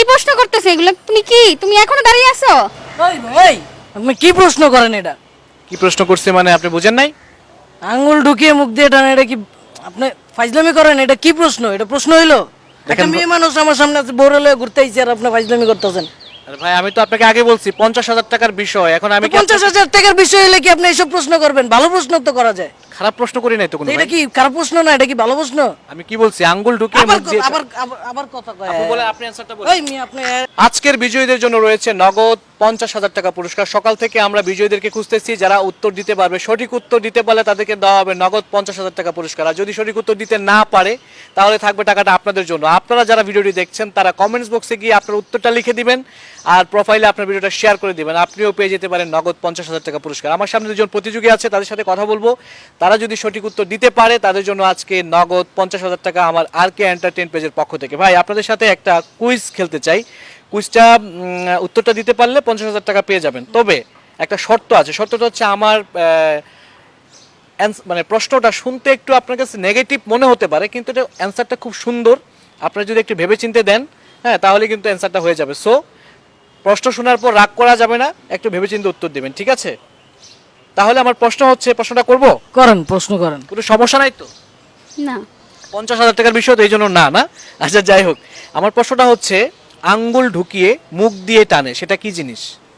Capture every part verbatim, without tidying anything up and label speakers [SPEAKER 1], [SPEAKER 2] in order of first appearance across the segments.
[SPEAKER 1] প্রশ্ন করতেছে এগুলো? তুমি কি তুমি এখনো দাঁড়িয়ে আছো?
[SPEAKER 2] ওই ভাই আপনি কি প্রশ্ন করেন এটা?
[SPEAKER 3] কি প্রশ্ন করছে মানে আপনি বুঝেন নাই?
[SPEAKER 2] আঙ্গুল ঢুকিয়ে মুখ দিয়ে টান, এটা কি আপনি ফাইজলামি করেন? এটা কি প্রশ্ন? এটা প্রশ্ন হইলো? একটা মেয়ে মানুষ আমার সামনে আছে, বড় হলে ঘুরতে আইছে আর আপনি ফাইজলামি করতেছেন।
[SPEAKER 3] আরে ভাই আমি তো আপনাকে আগে বলছি পঞ্চাশ হাজার টাকার বিষয়, এখন আমি কি
[SPEAKER 2] পঞ্চাশ হাজার টাকার বিষয় হলে কি আপনি এইসব প্রশ্ন করবেন? ভালো প্রশ্ন তো করা যায়।
[SPEAKER 3] খারাপ প্রশ্ন করি নাই তো কোনো
[SPEAKER 2] তো এটা
[SPEAKER 3] ভাই।
[SPEAKER 2] কি খারাপ প্রশ্ন না, এটা কি ভালো প্রশ্ন?
[SPEAKER 3] আমি কি বলছি আঙ্গুল ঢুকিয়ে
[SPEAKER 2] আবার
[SPEAKER 3] মুখ দিয়ে
[SPEAKER 2] আবার আবার- আবার কথা কয়।
[SPEAKER 3] আপু বলে আপনি অ্যানসারটা বলেন।
[SPEAKER 2] ওই মেয়ে আপনি
[SPEAKER 3] আজকের বিজয়ীদের জন্য রয়েছে নগদ পঞ্চাশ হাজার টাকা পুরস্কার। সকাল থেকে আমরা বিজয়ীদেরকে খুঁজতেছি, যারা উত্তর দিতে পারবে, সঠিক উত্তর দিতে পারলে তাদেরকে দেওয়া হবে নগদ পঞ্চাশ হাজার টাকা পুরস্কার। আর যদি সঠিক উত্তর দিতে না পারে তাহলে থাকবে টাকাটা আপনাদের জন্য। আপনারা যারা ভিডিওটি দেখছেন তারা কমেন্টস বক্সে গিয়ে আপনার উত্তরটা লিখে দিবেন আর প্রোফাইলে আপনার ভিডিওটা শেয়ার করে দিবেন, আপনিও পেয়ে যেতে পারেন নগদ পঞ্চাশ হাজার টাকা পুরস্কার। আমার সামনে দুজন প্রতিযোগী আছে, তাদের সাথে কথা বলবো। তারা যদি সঠিক উত্তর দিতে পারে তাদের জন্য আজকে নগদ পঞ্চাশ হাজার টাকা আমার আর কে এন্টারটেইন পেজের পক্ষ থেকে। ভাই আপনাদের সাথে একটা কুইজ খেলতে চাই। কুইজটা উত্তরটা দিতে পারলে পঞ্চাশ হাজার টাকা পেয়ে যাবেন। তবে একটা শর্ত আছে, শর্তটা হচ্ছে আমার আহ, অ্যান্স- মানে প্রশ্নটা শুনতে একটু আপনার কাছে নেগেটিভ মনে হতে পারে, কিন্তু এটা অ্যান্সারটা খুব সুন্দর। আপনারা যদি একটু ভেবেচিন্তে দেন, হ্যাঁ, তাহলে কিন্তু অ্যান্সারটা হয়ে যাবে। সো প্রশ্ন শোনার পর রাগ করা যাবে না, একটু ভেবেচিন্তে উত্তর দেবেন, ঠিক আছে? তাহলে আমার প্রশ্ন হচ্ছে, প্রশ্নটা করব,
[SPEAKER 2] করেন, প্রশ্ন করেন।
[SPEAKER 3] কোনো সমস্যা নাই তো?
[SPEAKER 1] না।
[SPEAKER 3] পঞ্চাশ হাজার টাকার বিষয় তো এই জন্য না না আচ্ছা যাই হোক, আমার প্রশ্নটা হচ্ছে আঙ্গুল ঢুকিয়ে মুখ দিয়ে টানে, সেটা কি জিনিস?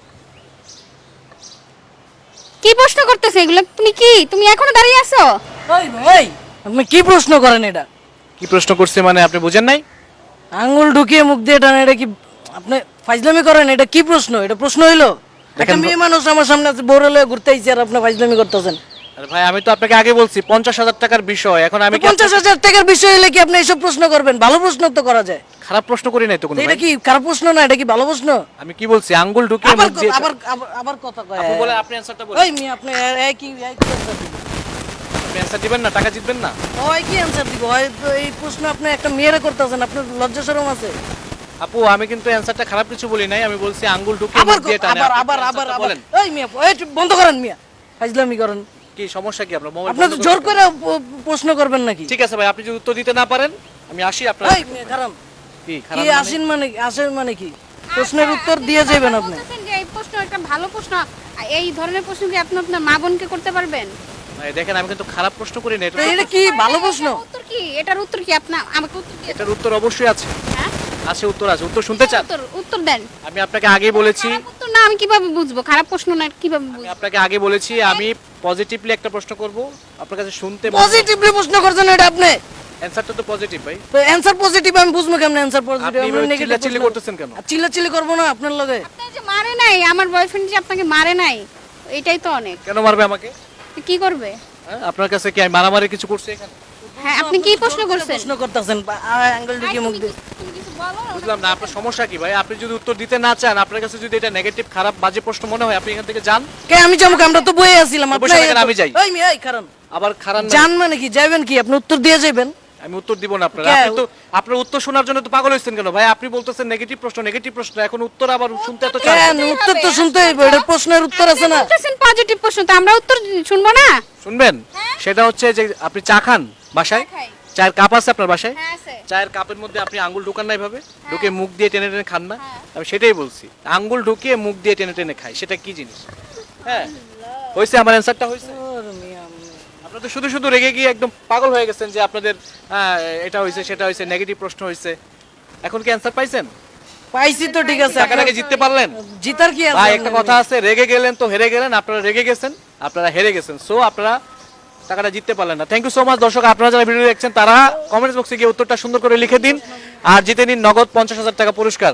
[SPEAKER 1] কি প্রশ্ন করতেছে এগুলো? তুমি কি তুমি এখনো দাঁড়িয়ে আছো?
[SPEAKER 2] ওই ভাই আপনি কি প্রশ্ন করেন এটা?
[SPEAKER 3] কি প্রশ্ন করছে মানে আপনি বুঝেন নাই?
[SPEAKER 2] আঙ্গুল ঢুকিয়ে মুখ দিয়ে টান, এটা কি আপনি ফাইজলামি করেন? এটা কি প্রশ্ন? এটা প্রশ্ন হইলো? একটা মেয়ে মানুষ আমার সামনে আছে, বড় হলে ঘুরতে আইছে আর আপনি ফাইজলামি করতেছেন।
[SPEAKER 3] আরে ভাই আমি তো আপনাকে আগে বলছি পঞ্চাশ হাজার টাকার বিষয়, এখন আমি কি
[SPEAKER 2] পঞ্চাশ হাজার টাকার বিষয় হলে কি আপনি এইসব প্রশ্ন করবেন? ভালো প্রশ্ন তো করা যায়।
[SPEAKER 3] খারাপ প্রশ্ন করি নাই তো কোনো
[SPEAKER 2] তো এটা
[SPEAKER 3] ভাই?
[SPEAKER 2] কি খারাপ প্রশ্ন না, এটা কি ভালো প্রশ্ন?
[SPEAKER 3] আমি কি বলছি আঙ্গুল ঢুকিয়ে
[SPEAKER 2] আবার
[SPEAKER 3] মুখ দিয়ে
[SPEAKER 2] আবার আবার- আবার কথা কয়।
[SPEAKER 3] আপু বলে আপনি অ্যানসারটা বলেন।
[SPEAKER 2] ওই মেয়ে আপনি এই কি এই কি answer দিবেন?
[SPEAKER 3] আপনি অ্যানসার দিবেন না, টাকা জিতবেন না।
[SPEAKER 2] ওই কি অ্যানসার দিব? হয় তো এই প্রশ্ন আপনি একটা মেয়েরে করতেছেন, আপনার লজ্জা শরম আছে?
[SPEAKER 3] আপু আমি কিন্তু অ্যানসারটা খারাপ কিছু বলি নাই, আমি বলছি আঙ্গুল ঢুকিয়ে
[SPEAKER 2] আবার
[SPEAKER 3] মুখ দিয়ে টানে।
[SPEAKER 2] আবার
[SPEAKER 3] আপনি
[SPEAKER 2] আবার
[SPEAKER 3] answerটা
[SPEAKER 2] আবার আবার
[SPEAKER 3] বলেন।
[SPEAKER 2] ওই মিয়া ওই একটু বন্ধ করেন মিয়া, ফাইজলামি করেন।
[SPEAKER 3] কি সমস্যা কি আপনার? মোবাইল
[SPEAKER 2] আপনি তো
[SPEAKER 3] বন্ধ
[SPEAKER 2] জোর
[SPEAKER 3] করতে
[SPEAKER 2] করে প- প্রশ্ন করবেন নাকি?
[SPEAKER 3] ঠিক আছে ভাই, আপনি যদি উত্তর দিতে না পারেন আমি আসি আপনার।
[SPEAKER 2] এই মিয়া খারাপ
[SPEAKER 3] কি
[SPEAKER 2] কি
[SPEAKER 3] খারাপ মানে?
[SPEAKER 2] আসেন মানে আসেন মানে কি? প্রশ্নের উত্তর দিয়ে যাবেন আপনি।
[SPEAKER 1] বলতেছেন যে এই প্রশ্ন একটা ভালো প্রশ্ন। এই ধরনের প্রশ্ন কি আপনি আপনার মা বোনকে করতে পারবেন?
[SPEAKER 3] ভাই দেখেন আমি কিন্তু খারাপ প্রশ্ন করি না,
[SPEAKER 2] তো
[SPEAKER 3] এটা
[SPEAKER 2] এটা কি ভালো প্রশ্ন?
[SPEAKER 1] এটার উত্তর কি? এটার উত্তর কি? আপনি আমাকে উত্তর দিয়ে
[SPEAKER 3] এটার উত্তর অবশ্যই আছে।
[SPEAKER 1] হ্যাঁ?
[SPEAKER 3] আছে, উত্তর আছে। উত্তর শুনতে চান?
[SPEAKER 1] উত্তর উত্তর দেন।
[SPEAKER 3] আমি আপনাকে আগেই বলেছি,
[SPEAKER 1] খারাপ উত্তর না আমি কিভাবে বুঝবো? খারাপ প্রশ্ন না কিভাবে
[SPEAKER 3] আমি
[SPEAKER 1] বুঝবো?
[SPEAKER 3] আপনাকে আগে বলেছি আমি পজিটিভলি একটা প্রশ্ন করব, আপনার কাছে শুনতে
[SPEAKER 2] পজিটিভলি প্রশ্ন করছেন এটা আপনি?
[SPEAKER 3] অ্যানসারটা তো পজিটিভ ভাই।
[SPEAKER 2] তো অ্যানসার পজিটিভ আমি বুঝবো কেমনে? অ্যানসার পজিটিভ
[SPEAKER 3] আপনি
[SPEAKER 2] আমরা
[SPEAKER 3] এভাবে
[SPEAKER 2] নেগেটিভ
[SPEAKER 3] চিল্লাচিল্লি করতেছেন কেন?
[SPEAKER 2] চিল্লাচিল্লি করব না আপনার লগে।
[SPEAKER 1] আপনার যে মারে নাই, আমার বয়ফ্রেন্ড যে আপনাকে মারে নাই, এটাই তো অনেক।
[SPEAKER 3] কেন মারবে আমাকে?
[SPEAKER 1] তো কি করবে?
[SPEAKER 3] হ্যাঁ, আপনার কাছে কি আমি মারামারি কিছু করছি এখানে?
[SPEAKER 1] হ্যাঁ, আপনি কি প্রশ্ন করছেন?
[SPEAKER 2] প্রশ্ন করতেছেন অ্যাঙ্গেল
[SPEAKER 1] আই,
[SPEAKER 2] ঢুকিয়ে মুখ
[SPEAKER 1] তুমি
[SPEAKER 2] দিয়ে।
[SPEAKER 1] কিছু- তুমি কিছু বলো না।
[SPEAKER 3] বুঝলাম না আপনার সমস্যা কি ভাই? আপনি যদি উত্তর দিতে না চান, আপনার কাছে যদি এটা নেগেটিভ খারাপ বাজে প্রশ্ন মনে হয়, আপনি এখান থেকে যান।
[SPEAKER 2] কে আমি যাবো? আমরা তো বইয়ে আছিলাম।
[SPEAKER 3] বসে
[SPEAKER 2] আপনি
[SPEAKER 3] থাকেন, আমি যাই।
[SPEAKER 2] ওই মিয়া এই কারণ
[SPEAKER 3] আবার খারাপ না,
[SPEAKER 2] জান মানে কি? যাবেন কি? আপনি উত্তর দিয়ে যাবেন?
[SPEAKER 3] আমি উত্তর দিব না আপনার।
[SPEAKER 2] কে?
[SPEAKER 3] আপনি তো আপনার উত্তর শোনার জন্য তো পাগল হইছেন কেন ভাই? আপনি বলতেছেন নেগেটিভ প্রশ্ন, নেগেটিভ প্রশ্ন, এখন উত্তর আবার শুনতে এত চান?
[SPEAKER 2] কেন উত্তর তো শুনতে হইব, এটা প্রশ্নের উত্তর আছে না?
[SPEAKER 1] বলতেছেন পজিটিভ প্রশ্ন, তো আমরা উত্তর শুনবো না?
[SPEAKER 3] শুনবেন? সেটা হচ্ছে যে আপনি চা খান বাসায়,
[SPEAKER 1] খাই।
[SPEAKER 3] চায়ের কাপ আছে আপনার বাসায়?
[SPEAKER 1] হ্যাঁ আছে।
[SPEAKER 3] চায়ের কাপের মধ্যে আপনি আঙ্গুল ঢুকান না এভাবে, ঢুকে মুখ দিয়ে টেনে টেনে খান না? আমি সেটাই বলছি, আঙ্গুল ঢুকিয়ে মুখ দিয়ে টেনে টেনে খাই, সেটা কি জিনিস? হ্যাঁ হয়েছে, আমার অ্যান্সারটা হয়েছে।
[SPEAKER 2] ওরে মিয়া,
[SPEAKER 3] আপনারা তো শুধু শুধু রেগে গিয়ে একদম পাগল হয়ে গেছেন যে আপনাদের হ্যাঁ, এটা হয়েছে সেটা হয়েছে, নেগেটিভ প্রশ্ন হয়েছে। এখন কি অ্যান্সার পাইছেন?
[SPEAKER 2] পাইছি তো ঠিক আছে।
[SPEAKER 3] টাকাটাকে জিততে পারলেন?
[SPEAKER 2] জিতার কি আছে?
[SPEAKER 3] ভাই একটা কথা আছে, রেগে গেলেন তো হেরে গেলেন। আপনারা রেগে গেছেন, আপনারা হেরে গেছেন। সো আপনারা টাকাটা জিততে পারলেন না। Thank you so much. দর্শক আপনারা যারা ভিডিও দেখছেন তারা কমেন্টস বক্সে গিয়ে উত্তরটা সুন্দর করে লিখে দিন আর জিতে নিন নগদ পঞ্চাশ হাজার টাকা পুরস্কার।